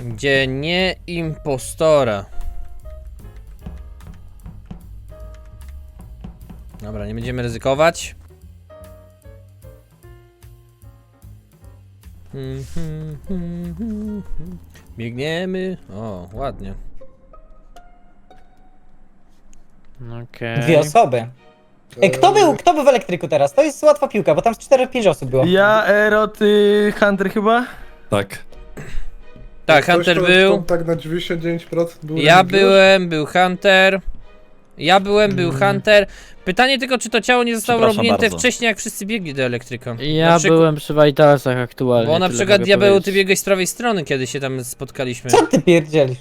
Gdzie nie impostora. Dobra, nie będziemy ryzykować. Biegniemy. O, ładnie. Okej. Dwie osoby. Kto był w elektryku teraz? To jest łatwa piłka, bo tam z 4-5 osób było. Ja, Ero, ty, Hunter chyba? Tak. Tak, Ktoś Hunter to- był. to Tak na 99% był. Ja Remigiusz? byłem, był Hunter. Ja byłem, był Hunter. Pytanie tylko, czy to ciało nie zostało Przepraszam robnięte bardzo. wcześniej, jak wszyscy biegli do elektryka. Ja Na przykład- byłem przy Vitalsach aktualnie. Bo na tyle przykład mogę Diabeł, ty powiedzieć. biegłeś z prawej strony, kiedy się tam spotkaliśmy. Co ty pierdzielisz?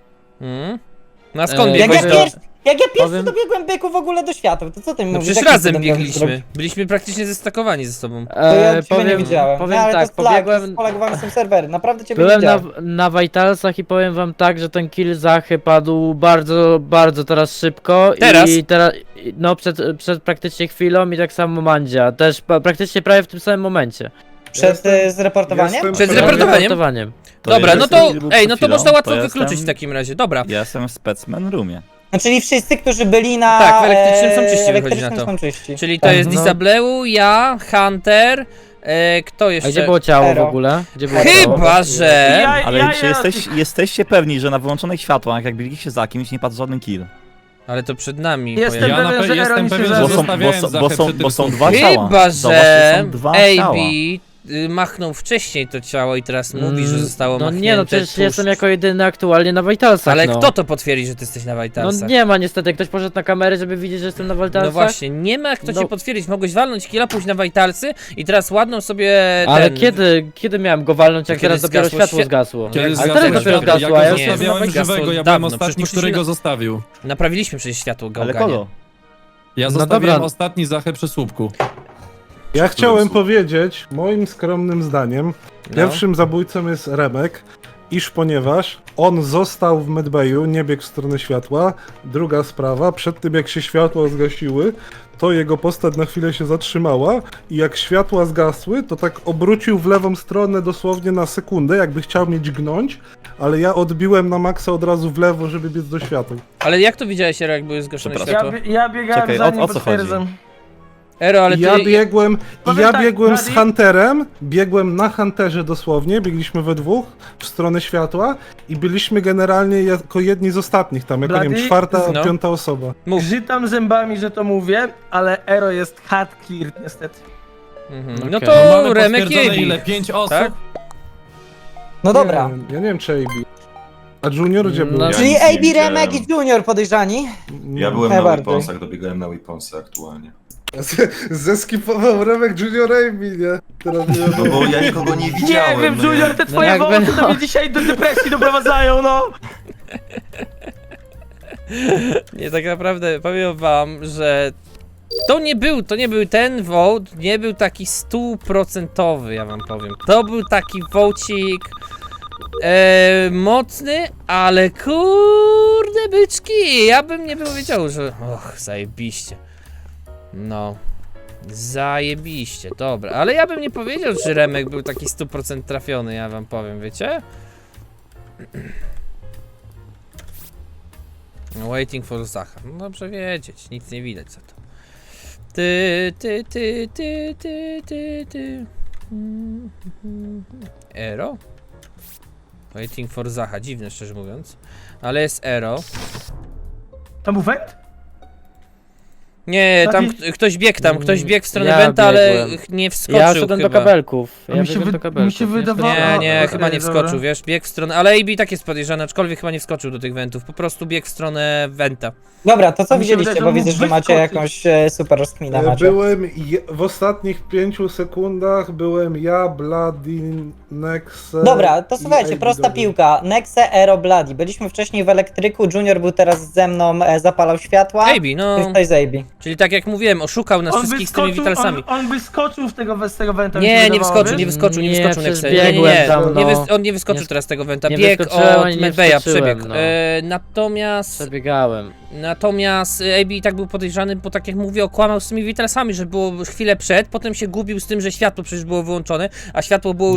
No a skąd Jak biegłeś Jak do... ja pierwszy Powiem- dobiegłem byku w ogóle do świata, to co ty No mówisz? przecież Jakim razem cudem miałem biegliśmy. zrobić? Byliśmy praktycznie zestakowani ze sobą. To ja ciebie nie powiem, widziałem. powiem ale tak, to jest pobiegłem... polegowany są serwery, naprawdę ciebie nie Byłem widziałem. na Vitalsach i powiem wam tak, że ten kill Zachy padł bardzo, bardzo teraz szybko. Teraz? I teraz, no przed praktycznie chwilą i tak samo Mandzia. Też praktycznie prawie w tym samym momencie. Przed zreportowaniem? jestem- Przed Prawie zreportowaniem? To Dobra, jest- no to, był ej, przed no to chwilą, można łatwo to wykluczyć w jestem- takim razie, dobra. Ja jestem w Specman Roomie. No czyli wszyscy, którzy byli na... Tak, w elektrycznym są czyści, wychodzi na elektrycznym to. są czyści. Czyli to Tak. jest no. Disableu, ja, Hunter, kto A jeszcze? gdzie było ciało Ero. w ogóle? Gdzie było ciało? Chyba, że... Ale czy jesteście pewni, że na wyłączonych światłach, jak byliście za kimś, nie padł żaden kill? Ale to przed nami Jestem pojawiło. pewien, że Ero jestem mi się pewien, że Bo zaraz... są, zostawiałem Zachę przy tym są słupku. dwa ciała. Chyba, Zobacz, że są dwa AB ciała. machnął wcześniej to ciało i teraz mówi, że zostało No machnięte nie, no przecież tuż. jestem jako jedyny aktualnie na Vitalsach, Ale no. kto to potwierdzi, że ty jesteś na No Vitalsach? nie ma niestety, ktoś poszedł na kamerę, żeby widzieć, że jestem na Vitalsach. No właśnie, nie ma kto No. ci potwierdzić. Mogłeś walnąć killa, pójść na Vitalsy i teraz ładną sobie Ale ten... kiedy miałem go walnąć, jak Kiedy teraz dopiero zgasło światło świat- zgasło? Kiedy Ale zgasło teraz dopiero światło, zgasło, ja a ja go już zostawiałem zgasło żywego, ja dawno, byłem przecież ostatni, poszliśmy który na- go zostawił. Naprawiliśmy przecież światło Ale gałganie. kogo? Ja No zostawiłem dobra. ostatni Zachę przy słupku. Ja chciałem powiedzieć, moim skromnym zdaniem, No. pierwszym zabójcą jest Remek, iż ponieważ on został w medbayu, nie biegł w stronę światła. Druga sprawa, przed tym jak się światła zgasiły, to jego postać na chwilę się zatrzymała i jak światła zgasły, to tak obrócił w lewą stronę dosłownie na sekundę, jakby chciał mnie dźgnąć, ale ja odbiłem na maksa od razu w lewo, żeby biec do światła. Ale jak to widziałeś, Ero, jak były zgaszone Przepraszam. światło? Ja biegałem Czekaj, za o nim, co chodzi? potwierdzam. Ero, ale ty... Ja biegłem, Powiem tak, z Bladi- Hunterem, biegłem na Hunterze dosłownie, biegliśmy we dwóch w stronę światła i byliśmy generalnie jako jedni z ostatnich tam, jako nie wiem, Bladi? czwarta, No. piąta osoba. Mów. Grzytam zębami, że to mówię, ale Ero jest hard clear niestety. Mhm. Okej. No No to mamy Remek i potwierdzone AB. ile? 5 osób? Tak? No dobra. Ja nie wiem czy AB. A Junior gdzie był? No, Czyli nic nie AB, widziałem. Remek i Junior podejrzani? Ja byłem na Najbardziej. Weaponsach, dobiegałem na Weaponsy aktualnie. Zeskipował Remek Junior AB, nie? Teraz nie No bo ja nikogo nie widziałem. Nie wiem, no Junior, te twoje jakby wołty to no. mnie dzisiaj do depresji doprowadzają, no! Nie, tak naprawdę powiem wam, że to nie był ten vote, nie był taki 100%, ja wam powiem. To był taki vołcik mocny, ale kurde byczki, ja bym nie powiedział, że zajebiście. No, zajebiście, dobra, ale ja bym nie powiedział, że Remek był taki 100% trafiony, ja wam powiem, wiecie? Waiting for Zacha. No dobrze wiedzieć, nic nie widać za to. Ty. Ero? Waiting for Zacha, dziwne szczerze mówiąc. Ale jest Ero. Tam był węd? Nie, tam Taki- ktoś biegł ktoś biegł w stronę Ja Wenta, ale biegłem. nie wskoczył Ja szedłem chyba. do kabelków. A mi się biegłem wy- do kabelków, mi się wydawało- Nie, okej, chyba nie dobra. wskoczył, wiesz, biegł w stronę, ale AB tak jest podejrzany, aczkolwiek chyba nie wskoczył do tych wentów, po prostu biegł w stronę Wenta. Dobra, to co Mi się widzieliście, wydaje, bo że widzę, mógł że macie wyskoczyć. jakąś super rozkminę macie. Byłem w ostatnich 5 sekundach byłem ja, Bloody, Nexe. Dobra, to i słuchajcie, AB prosta dobiegł. piłka. Nexe, Ero, Bloody. Byliśmy wcześniej w elektryku, Junior był teraz ze mną, zapalał światła. AB, no, Jest ktoś z AB. czyli tak jak mówiłem, oszukał nas wszystkich z tymi witalsami. on by skoczył z tego węta. mi się Nie, nie wydawało, wyskoczył, wiesz? nie wyskoczył, nie Nie, wyskoczył przecież Nexe. Nie, biegłem tam, nie, no. on nie wyskoczył Nie- teraz z tego Wenta, nie biegł wyskoczyłem, od ani nie Medbeja, wskoczyłem, przebiegł. no. Natomiast Przebiegałem. AB i tak był podejrzany, bo tak jak mówię, okłamał z tymi witalsami, że było chwilę przed, potem się gubił z tym, że światło przecież było wyłączone, a światło było już No. naprawione.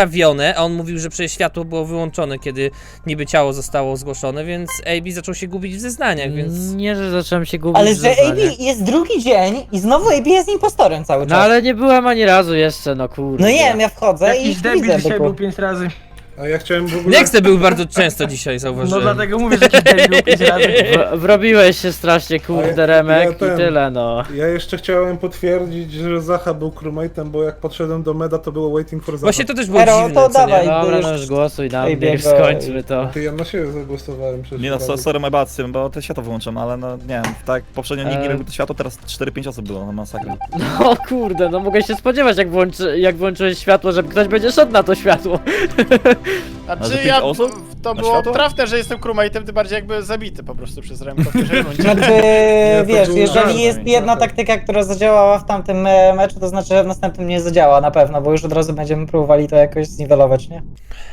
naprawione, a on mówił, że przecież światło było wyłączone, kiedy niby ciało zostało zgłoszone, więc AB zaczął się gubić w zeznaniach, więc... Nie, że zacząłem się gubić Ale w że AB zeznaniach. jest drugi dzień i znowu AB jest impostorem cały No czas. ale nie byłem ani razu jeszcze, no kurde. No nie wiem, ja wchodzę i Jakiś ich debil widzę, dzisiaj byku. był 5 razy. A ja chciałem w ogóle... Nexe był bardzo często dzisiaj, No zauważyłem. dlatego mówię, że jakiś debil był 5 razy. Wrobiłeś się strasznie, kurde, Ja Remek, i ten- tyle, no. Ja jeszcze chciałem potwierdzić, że Zacha był crewmate'em, bo jak podszedłem do meda, to było waiting for Zacha. Właśnie to też było Ero, dziwne, to co nie? dawaj. Dobra, już- no już głosuj na mnie, biega już skończmy to. Ty, ja na siebie zagłosowałem przecież. Nie no, sorry my bad z tym, bo te światło wyłączam, ale no nie wiem, tak poprzednio nikt nie robił to światło, teraz 4-5 osób było, no masakra. No kurde, no mogę się spodziewać, jak włączyłeś światło, że ktoś będzie szedł na to światło. A że Znaczy 5 ja, osób? to Na było światło? trafne, że jestem crewmate'em, tym bardziej jakby zabity po prostu przez Remka w pierwszej rundzie. Znaczy, to wiesz, był jeżeli żart, jest jedna trochę. taktyka, która zadziałała w tamtym meczu, to znaczy, że w następnym nie zadziała na pewno, bo już od razu będziemy próbowali to jakoś zniwelować, nie?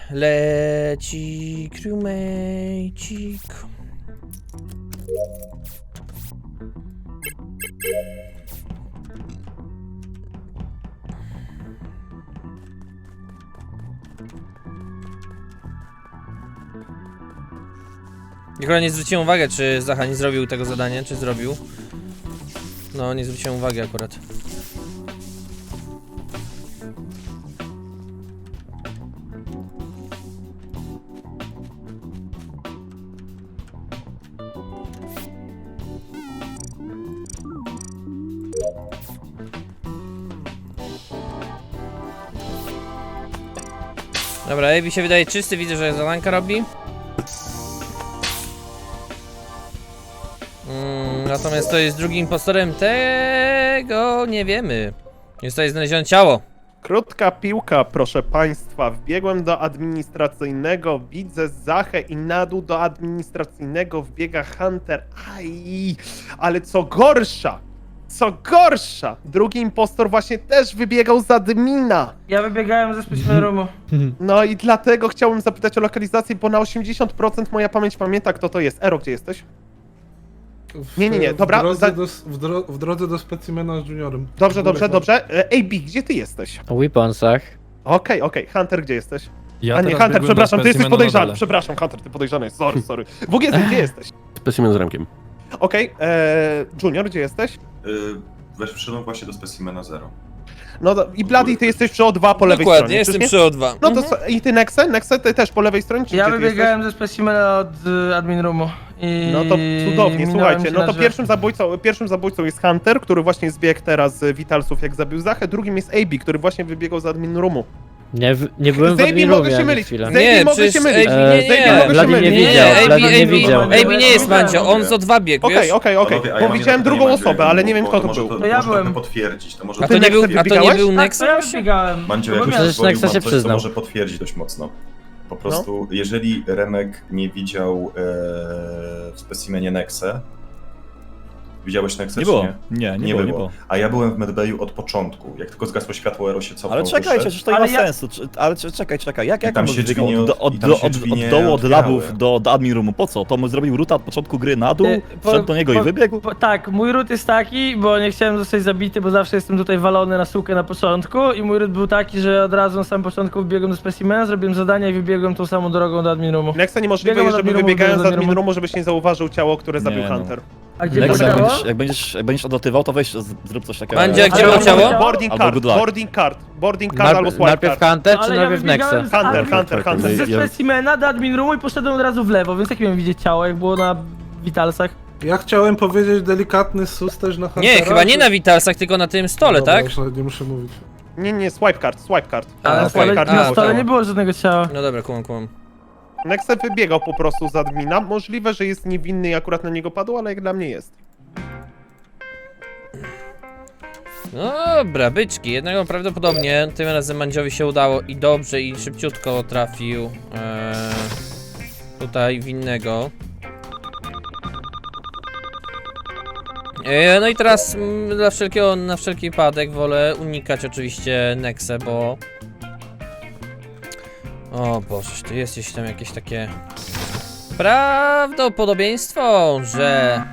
Leci crewmate'cik. Nikogo nie zwróciłem uwagę, czy Zacha nie zrobił tego zadania, czy zrobił. No, nie zwróciłem uwagi akurat. Dobra, Ebi się wydaje czysty, widzę, że zadanka robi. Natomiast to jest drugim impostorem, tego nie wiemy. Zostaje znalezione ciało. Krótka piłka, proszę państwa. Wbiegłem do administracyjnego, widzę Zachę i na dół do administracyjnego wbiega Hunter. Aj, ale co gorsza, drugi impostor właśnie też wybiegał z admina. Ja wybiegałem ze specimen roomu. No i dlatego chciałbym zapytać o lokalizację, bo na 80% moja pamięć pamięta, kto to jest. Ero, gdzie jesteś? Nie, dobra, W drodze do specimena z juniorem. Dobrze. AB, gdzie ty jesteś? O weaponsach. Okej, Hunter, gdzie jesteś? Ja A nie, teraz Hunter, biegłem do przepraszam, ty jesteś specimenu na podejrzany. dole. Przepraszam, Hunter, ty podejrzany jest. Sorry. WGZ, gdzie jesteś? Specimen z Remkiem. Okej, Junior, gdzie jesteś? Wszedłem właśnie do specimena 0. No i Bloody, ty jesteś przy O2 po lewej Dokładnie, stronie. jestem czyż przy nie? O2. No to i ty Nexe? Nexe, ty też po lewej stronie, czy Ja gdzie ty wybiegałem ze specimena od admin roomu. I No to cudownie, minąłem słuchajcie, się no na to drzwiach. pierwszym zabójcą jest Hunter, który właśnie zbiegł teraz z Vitalsów, jak zabił Zachę, drugim jest AB, który właśnie wybiegał z admin roomu. Nie byłem w Zabi admin mogę roomie się ani mylić. chwilę. Zabi mogę się mylić. AB nie, Zabi mogę się Bloody nie mylić. widział, Bloody nie AB widział. AB nie jest Mandzio, on z O2 biegł, wiesz? Okej, Panowie, a ja bo mam widziałem jedno drugą pytanie, osobę, ale nie wiem kto to był. To ja może byłem. trochę potwierdzić, to może... A to nie był, Biegałeś? był Tak, Nexe to ja właśnie? wybiegałem. Mandzio, No bo jak miałem- już Przecież Nexa się coś, to przyznał. może potwierdzić dość mocno. Po prostu, jeżeli Remek nie widział w specimenie Nexe, widziałeś Nexe, Nie czy było. nie? Nie było. A ja byłem w medbayu od początku. Jak tylko zgasło światło, Ero się cofnął. Ale czekajcie, wyszedł. przecież to nie ma Ale ja- sensu. Ale czekaj. Jak tam on się wybiegał drzwi nie od i tam się drzwi od nie dołu, od otwierały. labów do admin roomu? Po co? To mu zrobił ruta od początku gry na dół, Po- wszedł do niego i po- wybiegł? Tak, mój ród jest taki, bo nie chciałem zostać zabity, bo zawsze jestem tutaj walony na sukę na początku i mój ród był taki, że od razu na samym początku wbiegłem do specimena, zrobiłem zadania i wybiegłem tą samą drogą do admin roomu. Nexe niemożliwe Biegam jest, od żeby admin roomu, wybiegając z biegam z admin admin roomu, żebyś nie zauważył ciało, które zabił Nie, no. Hunter. A gdzie Lexa, to jak było? będziesz odlatywał, to weź zrób coś takiego. Mandzio, jak Ale było mam ciało? ciało? Boarding Albo card, good luck. boarding card albo swipe Najpierw card. Hunter, czy Ale ja najpierw wybiegałem Nexe? z Hunter. Ze Ja- specimena do admin roomu i poszedłem od razu w lewo, więc jak miałem widzieć ciało, jak było na Vitalsach? Ja chciałem powiedzieć delikatny sus też na Huntera. Nie, chyba nie czy- na Vitalsach, tylko na tym stole, Dobra, tak? już nie muszę mówić. Nie, swipe card. A, Na okej. stole, card A, nie na było stole ciała. nie było żadnego ciała. No dobra, kumam. Nexe wybiegał po prostu z admina. Możliwe, że jest niewinny i akurat na niego padło, ale jak dla mnie jest. Dobra, byczki, jednego prawdopodobnie tym razem Mandziowi się udało i dobrze i szybciutko trafił tutaj winnego. No i teraz na wszelki wypadek wolę unikać oczywiście Nexe, bo... O Boże, tu jest gdzieś tam jakieś takie... Prawdopodobieństwo, że...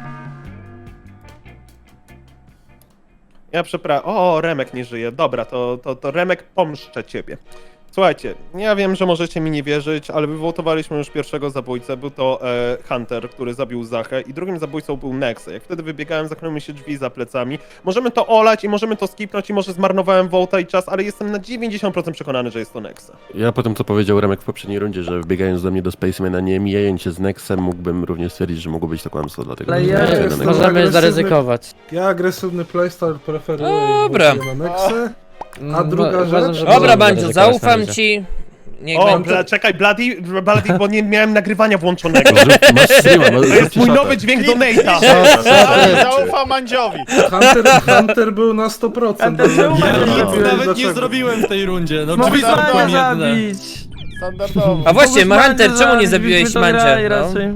Ja przepraszam. O, Remek nie żyje. Dobra, to Remek, pomszczę ciebie. Słuchajcie, ja wiem, że możecie mi nie wierzyć, ale wywołtowaliśmy już pierwszego zabójcę. Był to Hunter, który zabił Zachę i drugim zabójcą był Nexe. Jak wtedy wybiegałem, zamknęły mi się drzwi za plecami. Możemy to olać i możemy to skipnąć i może zmarnowałem wołta i czas, ale jestem na 90% przekonany, że jest to Nexe. Ja po tym, co powiedział Remek w poprzedniej rundzie, że wbiegając do mnie do Spacemana, nie mijając się z Nexem, mógłbym również stwierdzić, że mogło być to kłamstwo, dlatego Ale że ja zagłosuję na jestem- Nexa. Możemy agresywny- zaryzykować. Ja agresywny playstyle preferuję Dobra. i głosuję na Nexę. A druga Uważam, rzecz? że Dobra, możemy Bandziu, zaryzykować na zaufam razie. ci. Niech O, będzie. czekaj, Bloody, bo nie miałem nagrywania włączonego. Masz streama, To jest mój szatę. nowy dźwięk donate'a. Zaufam Mandziowi. Hunter był na 100%. Hunter, czemu Nie Mandzio wiem, nie Nic nawet nie dlaczego. zrobiłem w tej rundzie. No Mogłeś drzwi zamknąłem Mandzia jedne. zabić. Standardowo. A właśnie, Mogłeś Hunter, Mandzia czemu nie zabić, zabiłeś byśmy to grali Mandzia? No. raczej.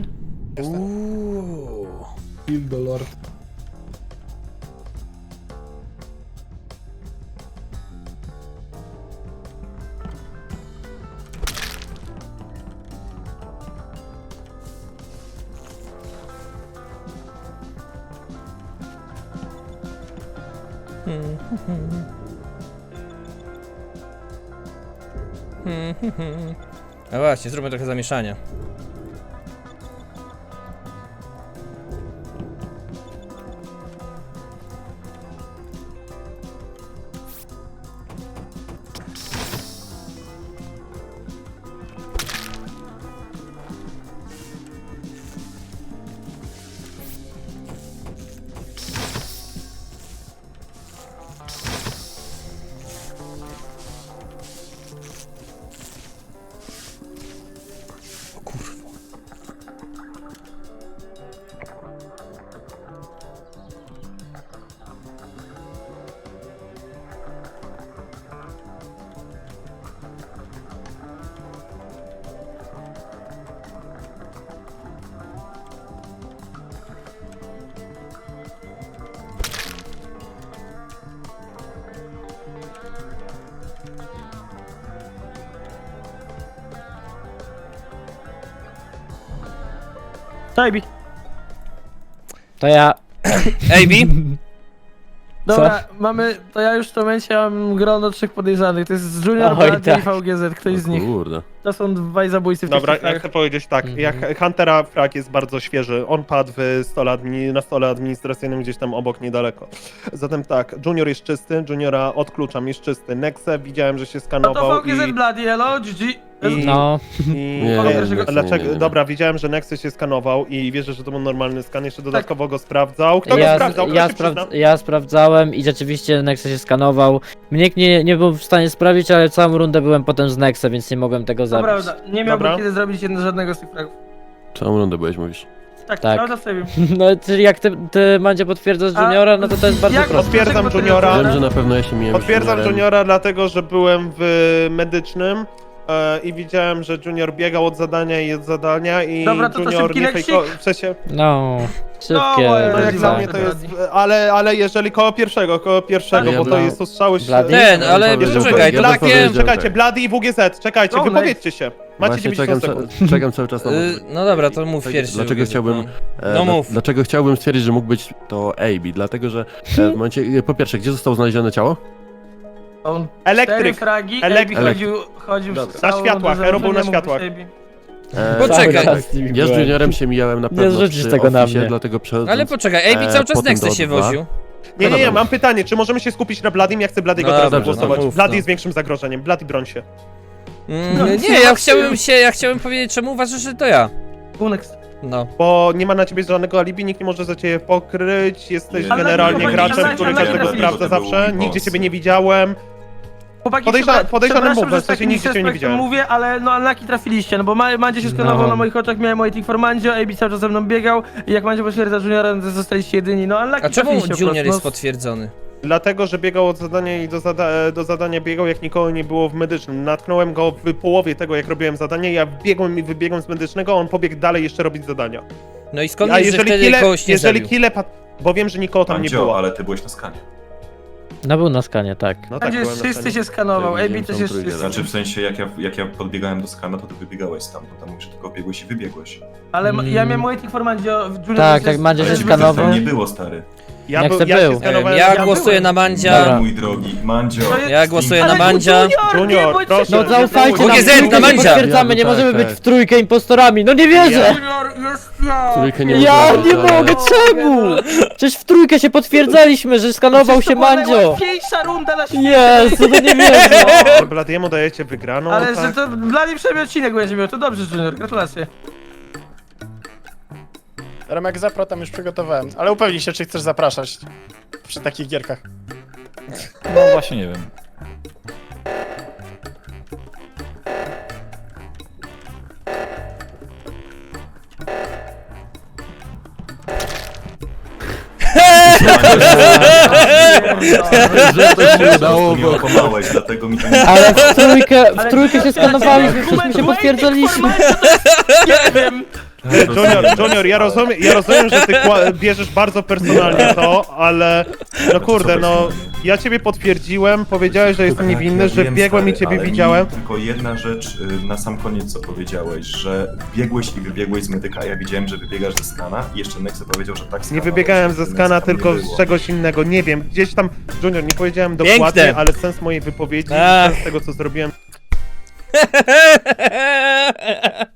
Uuu. Kill the Lord. No właśnie, zróbmy trochę zamieszania. Tajbi. To ja... AB? Dobra, mamy, to ja już w tym momencie mam grono 3 podejrzanych. To jest Junior, Oj, Bloody tak. i VGZ, ktoś z nich. Kurde. To są dwaj zabójcy w tych Dobra, ja czasach. chcę powiedzieć tak, jak Huntera Frag jest bardzo świeży, on padł na stole administracyjnym gdzieś tam obok, niedaleko. Zatem tak, Junior jest czysty, Juniora odkluczam, jest czysty. Nexe widziałem, że się No skanował to VGZ Bloody, hello, GG. No, i Kogo pierwszego- Nexe dlaczego, nie. dobra, widziałem, że Nexe się skanował i wierzę, że to był normalny skan, jeszcze dodatkowo go sprawdzał. Kto go ja, sprawdzał? Kto ja, się przyzna? ja sprawdzałem i rzeczywiście Nexe się skanował. Mnie nie był w stanie sprawić, ale całą rundę byłem potem z Nexe, więc nie mogłem tego To zabić. prawda, nie miałbym Dobra. kiedy zrobić żadnego z tych fragów. Całą rundę byłeś, mówisz. Tak, Tak. prawda w sobie. No, czyli jak ty Mandzie potwierdzasz A Juniora, no to jest bardzo jak- proste. Potwierdzam Dlaczego Juniora. Wiem, że na pewno ja się mijałem z Potwierdzam Juniorem. Juniora, dlatego że byłem w medycznym i widziałem, że Junior biegał od zadania i od zadania i Dobra, to Junior szybki nie leksik. fejkował. W sensie, No, szybkie. moje no jak Bloody, dla tak. mnie to jest, ale jeżeli koło pierwszego, Ale ja bo to bym- jest ostrzały... Bloody? Ten, ale Jeszcze poczekaj, ja to bym takie... powiedział- Czekajcie, tak. Bloody i WGZ, czekajcie, No, wypowiedzcie się. Macie Właśnie 90 sekund. czekam cały czas na No dobra, to mów pierwszy. Dlaczego chciałbym... No mów. Dlaczego chciałbym stwierdzić, że mógł być to AB? Dlatego, że w momencie... Po pierwsze, gdzie zostało znalezione ciało? On 4 Elektryk. fragi, Elektryk. AB chodził Dobra. całą Na światłach, rundę, Hero był na nie mógł światłach. być AB. Poczekaj. Cały czas z nimi Ja z byłem. Juniorem się mijałem na pewno zrzucisz przy tego na oficie, mnie. dlatego przechodząc... Ale poczekaj, AB cały czas potem Nexe do się dwa. woził. Nie, mam pytanie, czy możemy się skupić na Bladym? Ja chcę Bladego No teraz dobrze, głosować. no mów, Blady no. jest większym zagrożeniem, Blady broń się. Nie, ja chciałem powiedzieć, czemu uważasz, że to ja. Unex. No. Bo nie ma na ciebie żadnego alibi, nikt nie może za ciebie pokryć, jesteś Ale generalnie chłopaki, graczem, ale- który ale- każdego ale- sprawdza to był zawsze, boss. nigdzie ciebie nie widziałem. Chłopaki, Podejrzany przepraszam, move, że w sensie tak nigdzie cię nie respektem widziałem. mówię, ale no unlucky trafiliście, no bo Mandzie się skanował na moich oczach, miałem waiting for Mandzio, AB cały czas ze mną biegał i jak Mandzio potwierdza Juniora, to zostaliście jedyni, no unlucky A czemu trafiliście po Junior prostu, jest no. potwierdzony? Dlatego, że biegał od zadania i do zadania biegał, jak nikogo nie było w medycznym. Natknąłem go w połowie tego, jak robiłem zadanie, ja biegłem i wybiegłem z medycznego, a on pobiegł dalej jeszcze robić zadania. No i skąd A wiesz, że wtedy kogoś nie jeżeli zabił? kile bo wiem, że nikogo tam nie Mandzio, było. ale ty byłeś na skanie. No był na skanie, tak. No Mandzio byłem jest na czysty, scenie. się skanował, Tak, AB widziałem też tą jest trójkę, czysty. Znaczy w sensie, jak ja podbiegałem do skana, to ty wybiegałeś stamtąd, tam mówisz, że tylko biegłeś i wybiegłeś. Ale ja miałem waiting for Mandzio, Junior Tak, jest- tak, Mandzio Ale się ciebie skanował. tam nie było, stary. Nexe ja się był. skanowałem. Ja ja głosuję byłem. na Mandzia. Dobra. Mój drogi, Mandzio. Ja głosuję na Ale Mandzia. Junior, nie bądź proszę. No zaufajcie nam, WGZ, w trójkę na się Mandzia. potwierdzamy, nie Tak, możemy tak. być w trójkę impostorami, no nie wierzę! Junior, jest ja! Trójkę nie Ja możemy, nie ale- mogę, czemu? Przecież w trójkę się potwierdzaliśmy, że skanował Przecież się to była Mandzio! najłatwiejsza runda na świecie! Jezu, no nie wierzę! Że Bladiemu dajecie wygraną, Ale tak? że to dla niej przynajmniej odcinek będzie miał, to dobrze, Junior, gratulacje. Remek Zapro tam już przygotowałem, ale upewnij się, czy chcesz zapraszać przy takich gierkach. No właśnie nie wiem. Że to się udało, Nie bo... okłamałeś, dlatego mi to nie... Ale w trójkę się skanowaliśmy, przecież się potwierdzaliśmy. Nie wiem! Junior, ja rozumiem, że ty bierzesz bardzo personalnie to, ale no kurde, no ja ciebie potwierdziłem, powiedziałeś, że jestem niewinny, że wiem, biegłem i stary, ciebie ale widziałem. mi tylko jedna rzecz na sam koniec, co powiedziałeś, że biegłeś i wybiegłeś z medyka, a ja widziałem, że wybiegasz ze skana i jeszcze Nexe powiedział, że tak Nie skanował, wybiegałem że ze Nexe skana, tam nie tylko było. z czegoś innego, nie wiem, gdzieś tam, Junior, nie powiedziałem Piękne. dokładnie, ale sens mojej wypowiedzi, Ach. sens tego, co zrobiłem,